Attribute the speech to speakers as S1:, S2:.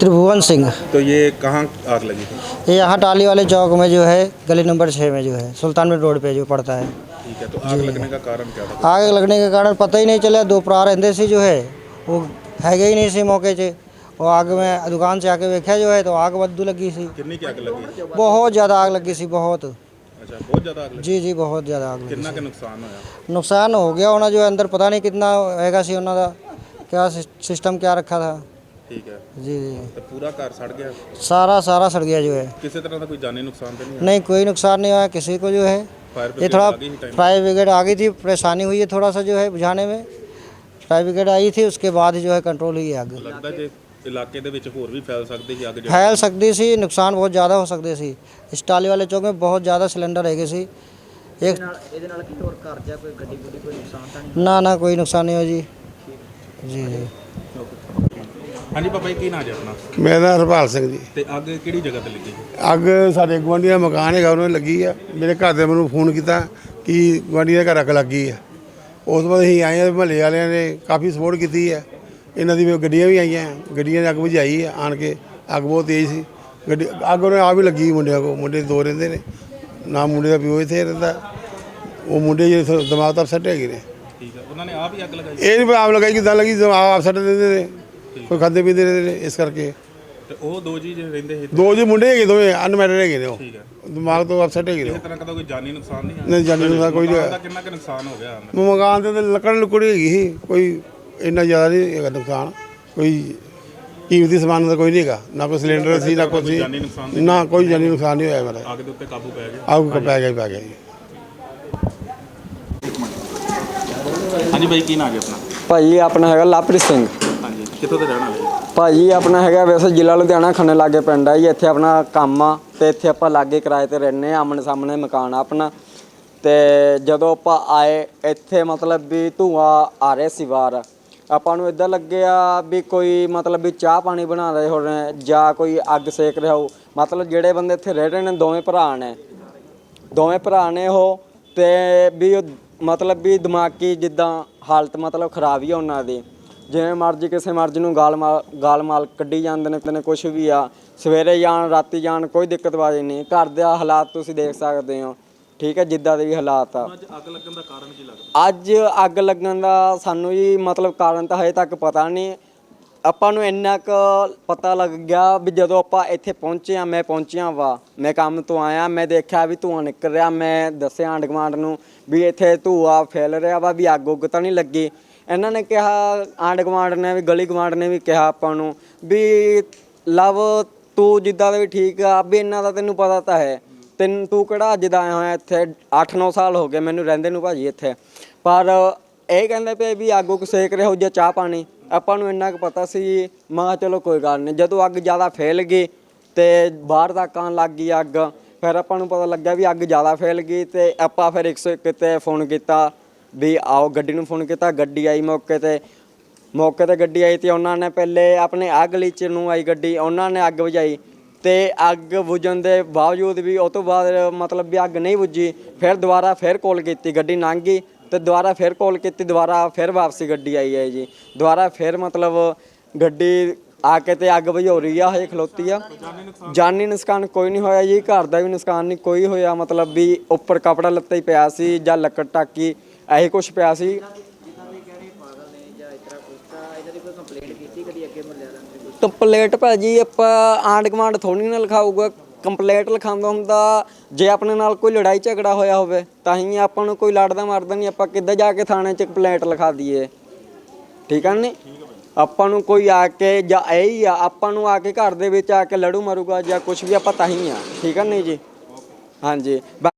S1: त्रिभुवन सिंह।
S2: तो ये कहाँ आग लगी थी?
S1: ये यहाँ टाली वाले चौक में जो है, गली नंबर 6 में जो है, सुल्तानपुर रोड पे जो पड़ता है।
S2: ठीक है, तो आग लगने का कारण क्या था?
S1: आग लगने के कारण पता ही नहीं चला। दो भरा रहते सी जो है वो है ही नहीं सी मौके से। और आग में दुकान से आके देखा जो है तो आग बदू लगी सी।
S2: कितनी की आग लगी?
S1: बहुत ज़्यादा आग लगी सी, बहुत।
S2: अच्छा, बहुत ज़्यादा आग लगी?
S1: जी जी, बहुत ज़्यादा आग लगी।
S2: कितना का नुकसान होया?
S1: नुकसान हो गया होना, जो अंदर पता नहीं कितना हैगा सी उन्होंने क्या सिस्टम क्या रखा था।
S2: ठीक है,
S1: जी जी,
S2: तो पूरा घर सड़ गया?
S1: सारा सड़ गया जो है।
S2: किसी तरह का कोई जानी नुकसान तो नहीं है?
S1: नहीं, कोई नुकसान नहीं हुआ किसी को जो है।
S2: फायर
S1: ये
S2: ब्रिगेड
S1: थोड़ा
S2: आ गई ही टाइम?
S1: फायर ब्रिगेड आ गई थी, परेशानी हुई है थोड़ा सा जो है बुझाने में। फायर ब्रिगेड आई थी, उसके बाद जो है कंट्रोल हुई आग।
S2: लगता जे इलाके ਦੇ ਵਿੱਚ ਹੋਰ ਵੀ ਫੈਲ ਸਕਦੀ ਸੀ ਅੱਗ ਜਿਹੜੀ?
S1: फैल सकती सी, नुकसान बहुत ज़्यादा हो सकते सी। इस टाली वाले चौक में बहुत ज़्यादा सिलेंडर है सी। एक ना कोई नुकसान नहीं हो जी। जी जी।
S2: ਹਾਂਜੀ ਪਾਪਾ ਜੀ, ਕੀ ਨਾਂ ਜੀ ਆਪਣਾ?
S3: ਮੇਰਾ ਨਾਂ ਹਰਪਾਲ ਸਿੰਘ ਜੀ।
S2: ਤੇ ਅੱਗ ਕਿਹੜੀ ਜਗ੍ਹਾ ਤੇ ਲੱਗੀ?
S3: ਅੱਗ ਸਾਡੇ ਗੁਆਂਢੀ ਦਾ ਮਕਾਨ ਹੈਗਾ, ਉਹਨਾਂ ਨੂੰ ਲੱਗੀ ਆ। ਮੇਰੇ ਘਰ ਦੇ ਮੈਨੂੰ ਫੋਨ ਕੀਤਾ ਕਿ ਗੁਆਂਢੀ ਦੇ ਘਰ ਅੱਗ ਲੱਗੀ ਆ। ਉਸ ਤੋਂ ਬਾਅਦ ਅਸੀਂ ਆਏ ਆ, ਮਹੱਲੇ ਵਾਲਿਆਂ ਨੇ ਕਾਫੀ ਸਪੋਰਟ ਕੀਤੀ ਆ। ਇਹਨਾਂ ਦੀ ਗੱਡੀਆਂ ਵੀ ਆਈਆਂ, ਗੱਡੀਆਂ ਨੇ ਅੱਗ ਬੁਝਾਈ ਆ ਆਣ ਕੇ। ਅੱਗ ਬਹੁਤ ਤੇਜ਼ ਸੀ ਗੱਡੀ, ਅੱਗ ਉਹਨੇ ਆਪ ਹੀ ਲੱਗੀ ਮੁੰਡਿਆਂ ਕੋਲ। ਮੁੰਡੇ ਦੋ ਰਹਿੰਦੇ ਨੇ, ਨਾ ਮੁੰਡੇ ਦਾ ਪਿਓ ਇੱਥੇ ਰਹਿੰਦਾ। ਉਹ ਮੁੰਡੇ ਜਿਹੜੇ ਦਿਮਾਗ ਤਾਂ ਅਪਸੈਟ ਹੈਗੇ ਨੇ।
S2: ਠੀਕ ਹੈ, ਉਹਨਾਂ ਨੇ ਆਪ ਹੀ ਅੱਗ ਲਗਾਈ?
S3: ਇਹ ਨਹੀਂ ਆਪ ਲਗਾਈ, ਕਿੱਦਾਂ ਲੱਗੀ, ਆਪ ਅਪਸੈਟ ਰਹਿੰਦੇ ਨੇ, ਕੋਈ ਖਾਂਦੇ ਪੀਂਦੇ ਰਹਿੰਦੇ ਨੇ, ਇਸ ਕਰਕੇ।
S2: ਤੇ ਉਹ ਦੋ ਜੀ ਰਹਿੰਦੇ ਸੀ?
S3: ਦੋ ਜੀ ਮੁੰਡੇ ਹੈਗੇ, ਦੋਵੇਂ ਅਨਮੈਰਿਡ ਹੈਗੇ ਨੇ। ਉਹ
S2: ਠੀਕ ਹੈ,
S3: ਦਿਮਾਗ ਤੋਂ ਅਪਸੈਟ ਹੈਗੇ ਨੇ।
S2: ਕਿਸੇ ਤਰ੍ਹਾਂ ਦਾ ਕੋਈ ਜਾਨੀ ਨੁਕਸਾਨ ਨਹੀਂ ਹੈ?
S3: ਨਹੀਂ, ਜਾਨੀ ਨੁਕਸਾਨ ਕੋਈ ਨਹੀਂ ਹੋਇਆ।
S2: ਦਾ ਕਿੰਨਾ ਕੁ ਨੁਕਸਾਨ ਹੋ ਗਿਆ?
S3: ਮਕਾਨ ਦੇ ਲੱਕੜ ਲੁਕੜੀ ਹੈਗੀ ਸੀ, ਕੋਈ ਇੰਨਾ ਜ਼ਿਆਦਾ ਨਹੀਂ ਹੈਗਾ ਨੁਕਸਾਨ। ਕੋਈ ਕੀਮਤੀ ਸਮਾਨ ਦਾ ਕੋਈ ਨਹੀਂ ਹੈਗਾ, ਨਾ ਕੋਈ ਸਿਲੰਡਰ ਸੀ, ਨਾ ਕੋਈ
S2: ਜਾਨੀ ਨੁਕਸਾਨ
S3: ਸੀ, ਨਾ ਕੋਈ ਜਾਨੀ ਨੁਕਸਾਨ ਨਹੀਂ ਹੋਇਆ ਮੇਰਾ।
S2: ਅੱਗ ਦੇ ਉੱਤੇ ਕਾਬੂ ਪੈ ਗਿਆ?
S3: ਅੱਗ ਪੈ ਗਿਆ ਜੀ।
S2: ਹਾਂਜੀ ਭਾਈ, ਕੀ ਨਾਂ ਜੀ ਆਪਣਾ?
S4: ਭਾਜੀ ਆਪਣਾ ਹੈਗਾ ਲਵਪ੍ਰੀਤ ਸਿੰਘ।
S2: ਹਾਂਜੀ, ਕਿੱਥੋਂ ਦੇ ਰਹਿਣ ਵਾਲੇ?
S4: ਭਾਜੀ ਆਪਣਾ ਹੈਗਾ ਵੈਸੇ ਜ਼ਿਲ੍ਹਾ ਲੁਧਿਆਣਾ, ਖੰਨੇ ਲਾਗੇ ਪਿੰਡ ਆ ਜੀ। ਇੱਥੇ ਆਪਣਾ ਕੰਮ ਆ ਤੇ ਇੱਥੇ ਆਪਾਂ ਲਾਗੇ ਕਿਰਾਏ ਤੇ ਰਹਿੰਦੇ ਆ। ਆਮਣੇ ਸਾਹਮਣੇ ਮਕਾਨ ਆ ਆਪਣਾ। ਤੇ ਜਦੋਂ ਆਪਾਂ ਆਏ ਇੱਥੇ ਮਤਲਬ ਵੀ ਧੂੰਆਂ ਆ ਰਿਹਾ ਸੀ ਬਾਹਰ। ਆਪਾਂ ਨੂੰ ਇੱਦਾਂ ਲੱਗਿਆ ਵੀ ਕੋਈ ਮਤਲਬ ਵੀ ਚਾਹ ਪਾਣੀ ਬਣਾ ਰਹੇ ਹੋਣ ਜਾਂ ਕੋਈ ਅੱਗ ਸੇਕ ਰਿਹਾ ਹੋ। ਮਤਲਬ ਜਿਹੜੇ ਬੰਦੇ ਇੱਥੇ ਰਹਿ ਰਹੇ ਨੇ ਦੋਵੇਂ ਭਰਾ ਨੇ ਉਹ। ਤੇ ਵੀ ਮਤਲਬ ਵੀ ਦਿਮਾਗੀ ਜਿੱਦਾਂ ਹਾਲਤ ਮਤਲਬ ਖਰਾਬ ਹੀ ਆ ਉਹਨਾਂ ਦੀ। ਜਿਵੇਂ ਮਰਜ਼ੀ ਕਿਸੇ ਮਰਜ਼ੀ ਨੂੰ ਗਾਲ ਮਾਲ ਕੱਢੀ ਜਾਂਦੇ ਨੇ ਕੁਛ ਵੀ ਆ। ਸਵੇਰੇ ਜਾਣ ਰਾਤੀ ਜਾਣ ਕੋਈ ਦਿੱਕਤਬਾਜ਼ੀ ਨਹੀਂ। ਘਰ ਦੇ ਹਾਲਾਤ ਤੁਸੀਂ ਦੇਖ ਸਕਦੇ ਹੋ, ਠੀਕ ਹੈ, ਜਿੱਦਾਂ ਦੇ ਵੀ ਹਾਲਾਤ ਆ।
S2: ਅੱਜ ਅੱਗ ਲੱਗਣ ਦਾ ਕਾਰਨ ਕੀ ਲੱਗਦਾ?
S4: ਅੱਜ ਅੱਗ ਲੱਗਣ ਦਾ ਸਾਨੂੰ ਜੀ ਮਤਲਬ ਕਾਰਨ ਤਾਂ ਹਜੇ ਤੱਕ ਪਤਾ ਨਹੀਂ। ਆਪਾਂ ਨੂੰ ਇੰਨਾ ਕੁ ਪਤਾ ਲੱਗ ਗਿਆ ਵੀ ਜਦੋਂ ਆਪਾਂ ਇੱਥੇ ਪਹੁੰਚੇ ਆ, ਮੈਂ ਪਹੁੰਚਿਆ ਵਾ, ਮੈਂ ਕੰਮ ਤੋਂ ਆਇਆ, ਮੈਂ ਦੇਖਿਆ ਵੀ ਧੂੰਆਂ ਨਿਕਲ ਰਿਹਾ। ਮੈਂ ਦੱਸਿਆ ਆਂਢ ਗੁਆਂਢ ਨੂੰ ਵੀ ਇੱਥੇ ਧੂੰਆਂ ਫੈਲ ਰਿਹਾ ਵਾ, ਵੀ ਅੱਗ ਉੱਗ ਤਾਂ ਨਹੀਂ ਲੱਗੀ। ਇਹਨਾਂ ਨੇ ਕਿਹਾ, ਆਂਢ ਗੁਆਂਢ ਨੇ ਵੀ, ਗਲੀ ਗੁਆਂਢ ਨੇ ਵੀ ਕਿਹਾ ਆਪਾਂ ਨੂੰ ਵੀ ਲਵ ਤੂੰ ਜਿੱਦਾਂ ਦਾ ਵੀ ਠੀਕ ਆ, ਵੀ ਇਹਨਾਂ ਦਾ ਤੈਨੂੰ ਪਤਾ ਤਾਂ ਹੈ, ਤੂੰ ਕਿਹੜਾ ਅੱਜ ਦਾ ਆਇਆ ਹੋਇਆ ਇੱਥੇ। 8-9 ਸਾਲ ਹੋ ਗਏ ਮੈਨੂੰ ਰਹਿੰਦੇ ਨੂੰ ਭਾਜੀ ਇੱਥੇ। ਪਰ ਇਹ ਕਹਿੰਦੇ ਪਏ ਵੀ ਅੱਗ ਉੱਗ ਸੇਕ ਰਿਹਾ ਹੋ ਜਾਂ ਚਾਹ ਪਾਣੀ। ਆਪਾਂ ਨੂੰ ਇੰਨਾ ਕੁ ਪਤਾ ਸੀ। ਮੈਂ ਕਿਹਾ ਚਲੋ ਕੋਈ ਗੱਲ ਨਹੀਂ। ਜਦੋਂ ਅੱਗ ਜ਼ਿਆਦਾ ਫੈਲ ਗਈ ਤੇ ਬਾਹਰ ਤੱਕ ਆਉਣ ਲੱਗ ਗਈ ਅੱਗ, ਫਿਰ ਆਪਾਂ ਨੂੰ ਪਤਾ ਲੱਗਾ ਵੀ ਅੱਗ ਜ਼ਿਆਦਾ ਫੈਲ ਗਈ। ਤੇ ਆਪਾਂ ਫਿਰ 101 'ਤੇ ਫੋਨ ਕੀਤਾ ਵੀ ਆਓ, ਗੱਡੀ ਨੂੰ ਫੋਨ ਕੀਤਾ। ਗੱਡੀ ਆਈ ਮੌਕੇ 'ਤੇ ਗੱਡੀ ਆਈ। ਅਤੇ ਉਹਨਾਂ ਨੇ ਪਹਿਲੇ ਆਪਣੇ ਆਹ ਗਲੀ 'ਚ ਨੂੰ ਆਈ ਗੱਡੀ, ਉਹਨਾਂ ਨੇ ਅੱਗ ਬੁਝਾਈ। ਅਤੇ ਅੱਗ ਬੁਝਣ ਦੇ ਬਾਵਜੂਦ ਵੀ ਉਹ ਤੋਂ ਬਾਅਦ ਮਤਲਬ ਵੀ ਅੱਗ ਨਹੀਂ ਬੁਝੀ। ਫਿਰ ਦੁਬਾਰਾ ਫਿਰ ਕਾਲ ਕੀਤੀ, ਗੱਡੀ ਲੰਘ ਗਈ ਅਤੇ ਦੁਬਾਰਾ ਫਿਰ ਕਾਲ ਕੀਤੀ, ਦੁਬਾਰਾ ਫਿਰ ਵਾਪਸੀ ਗੱਡੀ ਆਈ ਹੈ ਜੀ। ਦੁਬਾਰਾ ਫਿਰ ਮਤਲਬ ਗੱਡੀ ਆ ਕੇ ਅਤੇ ਅੱਗ ਬੁਝਾ ਰਹੀ ਆ, ਹਜੇ ਖਲੋਤੀ ਆ। ਜਾਨੀ ਨੁਕਸਾਨ ਕੋਈ ਨਹੀਂ ਹੋਇਆ ਜੀ, ਘਰ ਦਾ ਵੀ ਨੁਕਸਾਨ ਨਹੀਂ ਕੋਈ ਹੋਇਆ। ਮਤਲਬ ਵੀ ਉੱਪਰ ਕੱਪੜਾ ਲੱਤਾ ਹੀ ਪਿਆ ਸੀ ਜਾਂ ਲੱਕੜ ਟਾਕੀ ਇਹੀ ਕੁਛ ਪਿਆ ਸੀ। ਕੰਪਲੇਂਟ ਭਾਜੀ ਆਪਾਂ ਆਂਢ ਗੁਆਂਢ ਥੋੜ੍ਹੀ ਨਾ ਲਿਖਾਊਗਾ। ਕੰਪਲੇਂਟ ਲਿਖਾਉਂਦਾ ਹੁੰਦਾ ਜੇ ਆਪਣੇ ਨਾਲ ਕੋਈ ਲੜਾਈ ਝਗੜਾ ਹੋਇਆ ਹੋਵੇ ਤਾਂ ਹੀ। ਆਪਾਂ ਨੂੰ ਕੋਈ ਲੜਦਾ ਮਰਦਾ ਨਹੀਂ, ਆਪਾਂ ਕਿੱਦਾਂ ਜਾ ਕੇ ਥਾਣੇ 'ਚ ਕੰਪਲੇਂਟ ਲਿਖਾ ਦਈਏ, ਠੀਕ ਆ ਨਹੀਂ। ਆਪਾਂ ਨੂੰ ਕੋਈ ਆ ਕੇ ਜਾਂ ਇਹ ਹੀ ਆ, ਆਪਾਂ ਨੂੰ ਆ ਕੇ ਘਰ ਦੇ ਵਿੱਚ ਆ ਕੇ ਲੜੂ ਮਾਰੂਗਾ ਜਾਂ ਕੁਛ ਵੀ, ਆਪਾਂ ਤਾਂ ਹੀ ਆ, ਠੀਕ ਆ ਨਹੀਂ ਜੀ। ਹਾਂਜੀ।